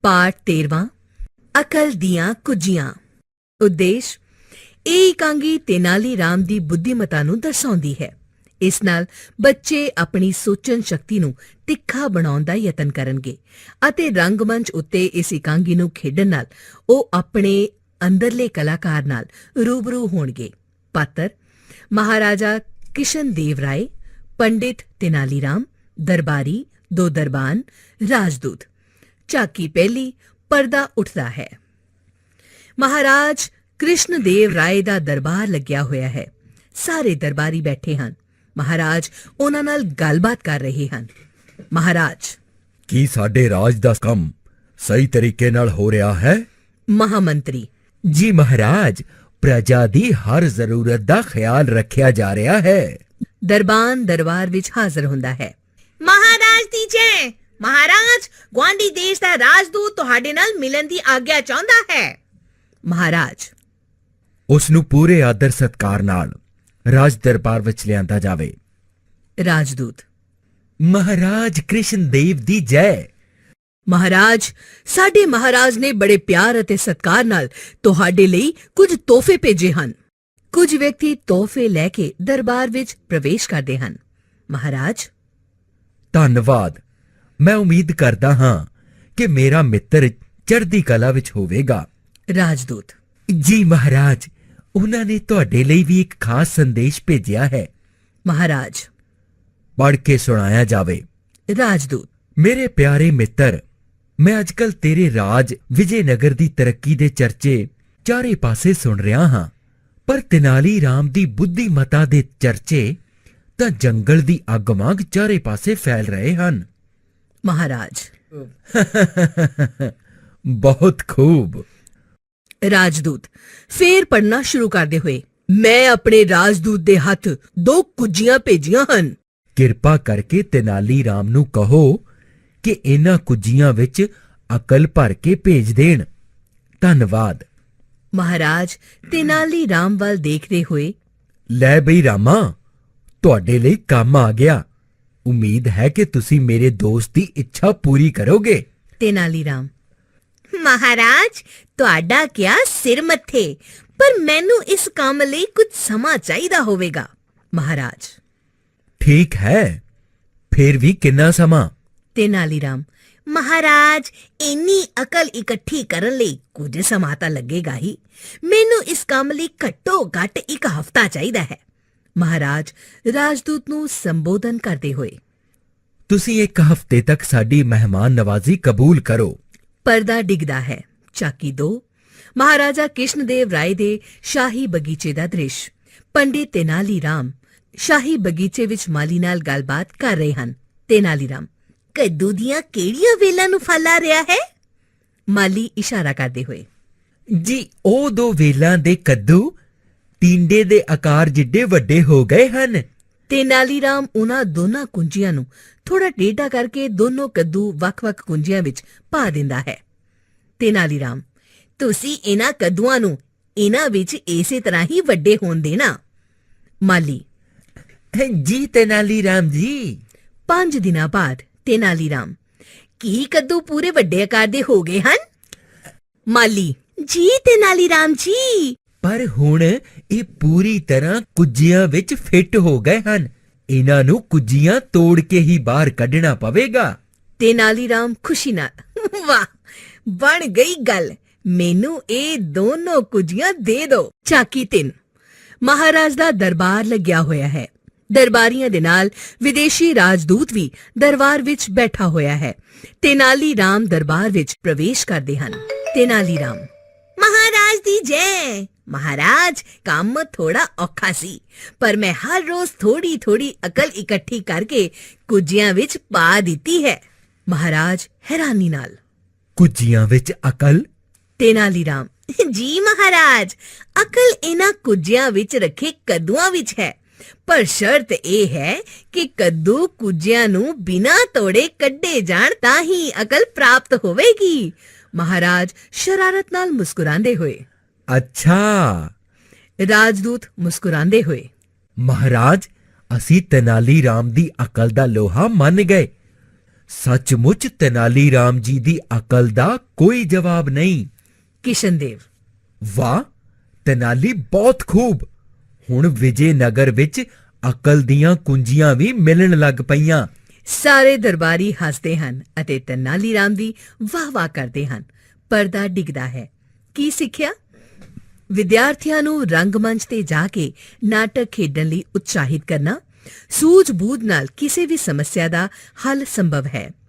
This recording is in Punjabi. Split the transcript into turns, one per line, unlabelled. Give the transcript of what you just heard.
ਪਾਠ 13ਵਾਂ ਅਕਲ ਦੀਆਂ ਕੁੱਜੀਆਂ। ਉਦੇਸ਼ ਇਹ ਇਕਾਂਗੀ ਤੇਨਾਲੀ ਰਾਮ ਦੀ ਬੁੱਧੀਮਤਾ ਨੂੰ ਦਰਸਾਉਂਦੀ ਹੈ। ਇਸ ਨਾਲ ਬੱਚੇ ਆਪਣੀ ਸੋਚਣ ਸ਼ਕਤੀ ਨੂੰ ਤਿੱਖਾ ਬਣਾਉਣ ਦਾ ਯਤਨ ਕਰਨਗੇ ਅਤੇ ਰੰਗਮੰਚ ਉੱਤੇ ਇਸ ਇਕਾਂਗੀ ਨੂੰ ਖੇਡਣ ਨਾਲ ਉਹ ਆਪਣੇ ਅੰਦਰਲੇ ਕਲਾਕਾਰ ਨਾਲ ਰੂਬਰੂ ਹੋਣਗੇ। ਪਾਤਰ ਮਹਾਰਾਜਾ ਕਿਸ਼ਨ ਦੇਵ ਰਾਏ, ਪੰਡਿਤ ਤੇਨਾਲੀ ਰਾਮ, ਦਰਬਾਰੀ, ਦੋ ਦਰਬਾਨ, ਰਾਜਦੂਤ। ਝਾਕੀ ਪਹਿਲੀ, ਪਰਦਾ ਉੱਠਦਾ ਹੈ। ਮਹਾਰਾਜ ਕ੍ਰਿਸ਼ਨ ਦੇਵ ਰਾਏ ਦਾ ਦਰਬਾਰ ਲੱਗਿਆ ਹੋਇਆ ਹੈ। ਸਾਰੇ ਦਰਬਾਰੀ ਬੈਠੇ ਹਨ। ਮਹਾਰਾਜ ਉਹਨਾਂ ਨਾਲ ਗੱਲਬਾਤ ਕਰ ਰਹੇ ਹਨ। ਮਹਾਰਾਜ,
ਕੀ ਸਾਡੇ ਰਾਜ ਦਾ ਕੰਮ ਸਹੀ ਤਰੀਕੇ ਨਾਲ ਹੋ ਰਿਹਾ ਹੈ?
ਮਹਾਮੰਤਰੀ,
ਜੀ ਮਹਾਰਾਜ, ਪ੍ਰਜਾ ਦੀ ਹਰ ਜ਼ਰੂਰਤ ਦਾ ਖਿਆਲ ਰੱਖਿਆ ਜਾ ਰਿਹਾ ਹੈ।
ਦਰਬਾਨ ਦਰਬਾਰ ਵਿੱਚ ਹਾਜ਼ਰ ਹੁੰਦਾ ਹੈ।
ਮਹਾਰਾਜ ਦੀ ਜੈ। ਮਹਾਰਾਜ, ਗੁਆਂਢੀ ਦੇਸ਼ ਦਾ ਰਾਜਦੂਤ ਤੁਹਾਡੇ ਨਾਲ ਮਿਲਣ ਦੀ ਆਗਿਆ ਚਾਹੁੰਦਾ ਹੈ।
ਮਹਾਰਾਜ,
ਉਸ ਨੂੰ ਪੂਰੇ ਆਦਰ ਸਤਕਾਰ ਨਾਲ ਰਾਜ ਦਰਬਾਰ ਵਿੱਚ ਲਿਆਂਦਾ ਜਾਵੇ।
ਰਾਜਦੂਤ,
ਮਹਾਰਾਜ ਕ੍ਰਿਸ਼ਨ ਦੇਵ ਦੀ ਜੈ।
ਮਹਾਰਾਜ, ਸਾਡੇ ਮਹਾਰਾਜ ਨੇ ਬੜੇ ਪਿਆਰ ਅਤੇ ਸਤਿਕਾਰ ਨਾਲ ਤੁਹਾਡੇ ਲਈ ਕੁਝ ਤੋਹਫੇ ਭੇਜੇ ਹਨ। ਕੁਝ ਵਿਅਕਤੀ ਤੋਹਫੇ ਲੈ ਕੇ ਦਰਬਾਰ ਵਿੱਚ ਪ੍ਰਵੇਸ਼ ਕਰਦੇ ਹਨ। ਮਹਾਰਾਜ,
ਧੰਨਵਾਦ। ਮੈਂ ਉਮੀਦ ਕਰਦਾ ਹਾਂ ਕਿ ਮੇਰਾ ਮਿੱਤਰ ਚੜ੍ਹਦੀ ਕਲਾ ਵਿੱਚ ਹੋਵੇਗਾ।
ਰਾਜਦੂਤ,
ਜੀ ਮਹਾਰਾਜ, ਉਹਨਾਂ ਨੇ ਤੁਹਾਡੇ ਲਈ ਵੀ ਇੱਕ ਖਾਸ ਸੰਦੇਸ਼ ਭੇਜਿਆ ਹੈ।
ਮਹਾਰਾਜ,
ਪੜ੍ਹ ਕੇ ਸੁਣਾਇਆ ਜਾਵੇ।
ਰਾਜਦੂਤ,
ਮੇਰੇ ਪਿਆਰੇ ਮਿੱਤਰ, ਮੈਂ ਅੱਜਕੱਲ ਤੇਰੇ ਰਾਜ ਵਿਜੇਨਗਰ ਦੀ ਤਰੱਕੀ ਦੇ ਚਰਚੇ ਚਾਰੇ ਪਾਸੇ ਸੁਣ ਰਿਹਾ ਹਾਂ, ਪਰ ਤੇਨਾਲੀ ਰਾਮ ਦੀ ਬੁੱਧੀਮਤਾ ਦੇ ਚਰਚੇ ਤਾਂ ਜੰਗਲ ਦੀ ਅੱਗ ਵਾਂਗ ਚਾਰੇ ਪਾਸੇ ਫੈਲ ਰਹੇ ਹਨ।
ਮਹਾਰਾਜ,
ਬਹੁਤ ਖੂਬ।
ਰਾਜਦੂਤ ਫੇਰ ਪੜ੍ਹਨਾ ਸ਼ੁਰੂ ਕਰਦੇ ਹੋਏ, ਮੈਂ ਆਪਣੇ ਰਾਜਦੂਤ ਦੇ ਹੱਥ 2 ਕੁੱਜੀਆਂ ਭੇਜੀਆਂ ਹਨ।
ਕਿਰਪਾ ਕਰਕੇ ਤੇਨਾਲੀ ਰਾਮ ਨੂੰ ਕਹੋ ਕਿ ਇਹਨਾਂ ਕੁੱਜੀਆਂ ਵਿੱਚ ਅਕਲ ਭਰ ਕੇ ਭੇਜ ਦੇਣ। ਧੰਨਵਾਦ।
ਮਹਾਰਾਜ ਤੇਨਾਲੀ ਰਾਮ ਵੱਲ ਦੇਖਦੇ ਹੋਏ,
ਲੈ ਬਈ ਰਾਮਾ, ਤੁਹਾਡੇ ਲਈ ਕੰਮ ਆ ਗਿਆ। ਉਮੀਦ ਹੈ ਕਿ ਤੁਸੀਂ ਮੇਰੇ ਦੋਸਤ ਦੀ ਇੱਛਾ ਪੂਰੀ ਕਰੋਗੇ।
ਤੇਨਾਲੀ ਰਾਮ,
ਮਹਾਰਾਜ, ਤੁਹਾਡਾ ਕਿਆ ਸਿਰ ਮੱਥੇ, ਪਰ ਮੈਨੂੰ ਇਸ ਕੰਮ ਲਈ ਕੁਝ ਸਮਾਂ ਚਾਹੀਦਾ ਹੋਵੇਗਾ।
ਮਹਾਰਾਜ,
ਠੀਕ ਹੈ, ਫਿਰ ਵੀ ਕਿੰਨਾ ਸਮਾਂ?
ਤੇਨਾਲੀ ਰਾਮ,
ਮਹਾਰਾਜ, ਇੰਨੀ ਅਕਲ ਇਕੱਠੀ ਕਰਨ ਲਈ ਕੁਝ ਸਮਾਂ ਤਾਂ ਲੱਗੇਗਾ ਹੀ। ਮੈਨੂੰ ਇਸ ਕੰਮ ਲਈ ਘੱਟੋ ਘੱਟ 1 ਹਫ਼ਤਾ ਚਾਹੀਦਾ ਹੈ।
ਮਹਾਰਾਜ ਰਾਜਦੂਤ ਨੂੰ ਸੰਬੋਧਨ ਕਰਦੇ ਹੋਏ,
ਤੁਸੀਂ 1 ਹਫ਼ਤੇ ਤੱਕ ਸਾਡੀ ਮਹਿਮਾਨ ਨਵਾਜ਼ੀ ਕਬੂਲ ਕਰੋ।
ਪਰਦਾ ਡਿੱਗਦਾ ਹੈ। ਝਾਕੀ 2, ਮਹਾਰਾਜਾ ਕ੍ਰਿਸ਼ਨ ਦੇਵ ਰਾਏ ਦੇ ਸ਼ਾਹੀ ਬਗੀਚੇ ਦਾ ਦ੍ਰਿਸ਼। ਪੰਡਿਤ ਤੇਨਾਲੀ ਰਾਮ ਸ਼ਾਹੀ ਬਗੀਚੇ ਵਿੱਚ ਮਾਲੀ ਨਾਲ ਗੱਲਬਾਤ ਕਰ ਰਹੇ ਹਨ। ਤੇਨਾਲੀ ਰਾਮ,
ਕੱਦੂ ਦੀਆਂ ਕਿਹੜੀਆਂ ਵੇਲਾਂ ਨੂੰ ਫਲ ਆ ਰਿਹਾ ਹੈ?
ਮਾਲੀ ਇਸ਼ਾਰਾ ਕਰਦੇ ਹੋਏ,
ਜੀ ਉਹ 2 ਵੇਲਾਂ ਦੇ ਕੱਦੂ ਟਿੰਡੇ ਦੇ ਆਕਾਰ ਜਿੱਡੇ ਵੱਡੇ ਹੋ ਗਏ ਹਨ।
ਤੇਨਾਲੀ ਰਾਮ ਉਹਨਾਂ ਦੋਨਾਂ ਕੁੰਜੀਆਂ ਨੂੰ ਥੋੜਾ ਟੇਢਾ ਕਰਕੇ ਦੋਨੋਂ ਕੱਦੂ ਵੱਖ-ਵੱਖ ਕੁੰਜੀਆਂ ਵਿੱਚ ਪਾ ਦਿੰਦਾ ਹੈ। ਤੇਨਾਲੀ ਰਾਮ,
ਤੁਸੀਂ ਇਹਨਾਂ ਕੱਦੂਆਂ ਨੂੰ ਇਹਨਾਂ ਵਿੱਚ ਇਸੇ ਤਰ੍ਹਾਂ ਹੀ ਵੱਡੇ ਹੋਣ ਦੇਣਾ।
ਮਾਲੀ,
ਜੀ ਤੇਨਾਲੀ ਰਾਮ ਜੀ।
5 ਦਿਨਾਂ ਬਾਅਦ ਤੇਨਾਲੀ ਰਾਮ,
ਕੀ ਕੱਦੂ ਪੂਰੇ ਵੱਡੇ ਆਕਾਰ ਦੇ ਹੋ ਗਏ ਹਨ?
ਮਾਲੀ,
ਜੀ ਤੇਨਾਲੀ ਰਾਮ ਜੀ।
ਪਰ ਹੁਣ ਇਹ ਪੂਰੀ ਤਰ੍ਹਾਂ ਕੁੱਜੀਆਂ ਵਿੱਚ ਫਿੱਟ ਹੋ ਗਏ ਹਨ। ਇਹਨਾਂ ਨੂੰ ਕੁੱਜੀਆਂ ਤੋੜ ਕੇ ਹੀ ਬਾਹਰ ਕੱਢਣਾ ਪਵੇਗਾ।
ਤੇਨਾਲੀ ਰਾਮ ਖੁਸ਼ੀ ਨਾਲ,
ਵਾਹ, ਬਣ ਗਈ ਗੱਲ। ਮੈਨੂੰ ਇਹ ਦੋਨੋਂ ਕੁੱਜੀਆਂ ਦੇ ਦਿਓ।
ਝਾਕੀ 3, ਮਹਾਰਾਜ ਦਾ ਦਰਬਾਰ ਲੱਗਿਆ ਹੋਇਆ ਹੈ। ਦਰਬਾਰੀਆਂ ਦੇ ਨਾਲ ਵਿਦੇਸ਼ੀ ਰਾਜਦੂਤ ਵੀ ਦਰਬਾਰ ਵਿੱਚ ਬੈਠਾ ਹੋਇਆ ਹੈ। ਤੇਨਾਲੀ ਰਾਮ ਦਰਬਾਰ ਵਿੱਚ ਪ੍ਰਵੇਸ਼ ਕਰਦੇ ਹਨ। ਤੇਨਾਲੀ ਰਾਮ,
ਮਹਾਰਾਜ ਦੀ ਜੈ। ਮਹਾਰਾਜ, ਕੰਮ ਥੋੜਾ ਔਖਾ ਸੀ, ਪਰ ਮੈਂ ਹਰ ਰੋਜ਼ ਥੋੜੀ ਥੋੜੀ ਅਕਲ ਇਕੱਠੀ ਕਰਕੇ ਕੁੱਜੀਆਂ ਵਿੱਚ ਪਾ ਦਿੱਤੀ ਹੈ।
ਮਹਾਰਾਜ ਹੈਰਾਨੀ ਨਾਲ,
ਕੁੱਜੀਆਂ ਵਿੱਚ ਅਕਲ?
ਤੇਨਾਲੀ ਰਾਮ,
ਜੀ ਮਹਾਰਾਜ, ਅਕਲ ਇਹਨਾਂ ਕੁੱਜੀਆਂ ਵਿੱਚ ਰੱਖੇ ਕੱਦੂਆਂ ਵਿੱਚ ਹੈ, ਪਰ ਸ਼ਰਤ ਇਹ ਹੈ ਕਿ ਕੱਦੂ ਕੁੱਜਿਆਂ ਨੂੰ ਬਿਨਾਂ ਤੋੜੇ ਕੱਢੇ ਜਾਣ ਤਾਂ ਹੀ ਅਕਲ ਪ੍ਰਾਪਤ ਹੋਵੇਗੀ।
ਮਹਾਰਾਜ ਸ਼ਰਾਰਤ ਨਾਲ ਮੁਸਕਰਾਉਂਦੇ ਹੋਏ,
ਅੱਛਾ।
ਰਾਜਦੂਤ ਮੁਸਕਰਾਉਂਦੇ ਹੋਏ,
ਮਹਾਰਾਜ, ਅਸੀਂ ਤੇਨਾਲੀ ਰਾਮ ਦੀ ਅਕਲ ਦਾ ਲੋਹਾ ਮੰਨ ਗਏ। ਸੱਚਮੁੱਚ ਤੇਨਾਲੀ ਰਾਮ ਜੀ ਦੀ ਅਕਲ ਦਾ ਕੋਈ ਜਵਾਬ ਨਹੀਂ।
ਕਿਸ਼ਨਦੇਵ।
ਵਾਹ, ਤੇਨਾਲੀ ਬਹੁਤ ਖੂਬ। ਹੁਣ ਵਿਜੇ ਨਗਰ ਵਿੱਚ ਅਕਲ ਦੀਆਂ ਕੁੰਜੀਆਂ ਵੀ ਮਿਲਣ ਲੱਗ ਪਈਆਂ।
ਸਾਰੇ ਦਰਬਾਰੀ ਹੱਸਦੇ ਹਨ ਅਤੇ ਤੇਨਾਲੀ ਰਾਮ ਦੀ ਵਾਹ-ਵਾਹ ਕਰਦੇ ਹਨ। ਪਰਦਾ ਡਿੱਗਦਾ ਹੈ। ਕੀ ਸਿੱਖਿਆ? ਵਿਦਿਆਰਥੀਆਂ ਨੂੰ ਰੰਗਮੰਚ ਤੇ ਜਾ ਕੇ ਨਾਟਕ ਖੇਡਣ ਲਈ ਉਤਸ਼ਾਹਿਤ ਕਰਨਾ। ਸੂਝ-ਬੂਝ ਨਾਲ ਕਿਸੇ ਵੀ ਸਮੱਸਿਆ ਦਾ ਹੱਲ ਸੰਭਵ ਹੈ।